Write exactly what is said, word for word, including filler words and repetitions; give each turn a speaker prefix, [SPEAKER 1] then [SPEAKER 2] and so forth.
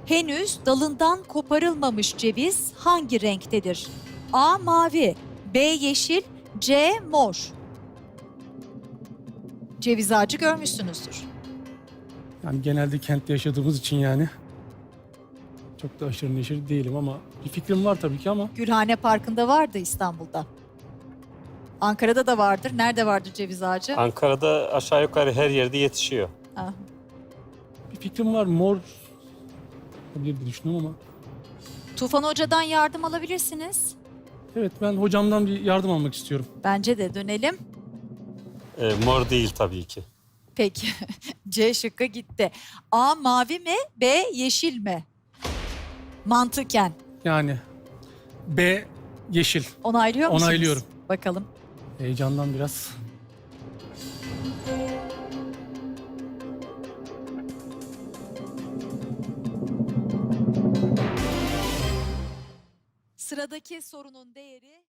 [SPEAKER 1] Henüz dalından koparılmamış ceviz hangi renktedir? A. Mavi, B. Yeşil, C. Mor. Ceviz ağacı görmüşsünüzdür.
[SPEAKER 2] Yani genelde kentte yaşadığımız için yani çok da aşırı neşir değilim ama bir fikrim var tabii ki ama
[SPEAKER 1] Gülhane Parkı'nda vardı İstanbul'da. Ankara'da da vardır. Nerede vardır ceviz ağacı?
[SPEAKER 3] Ankara'da aşağı yukarı her yerde yetişiyor.
[SPEAKER 1] Ah.
[SPEAKER 2] bir fikrim var. Mor olabilir diye düşünüyorum ama
[SPEAKER 1] Tufan Hoca'dan yardım alabilirsiniz.
[SPEAKER 2] evet, ben hocamdan bir yardım almak istiyorum.
[SPEAKER 1] Bence de dönelim.
[SPEAKER 3] Ee, mor değil tabii ki.
[SPEAKER 1] Peki. C şıkkı gitti. A. Mavi mi? B. Yeşil mi? Mantıken.
[SPEAKER 2] Yani B yeşil.
[SPEAKER 1] Onaylıyor musunuz?
[SPEAKER 2] Onaylıyorum.
[SPEAKER 1] Bakalım.
[SPEAKER 2] Heyecandan biraz.
[SPEAKER 1] Sıradaki sorunun değeri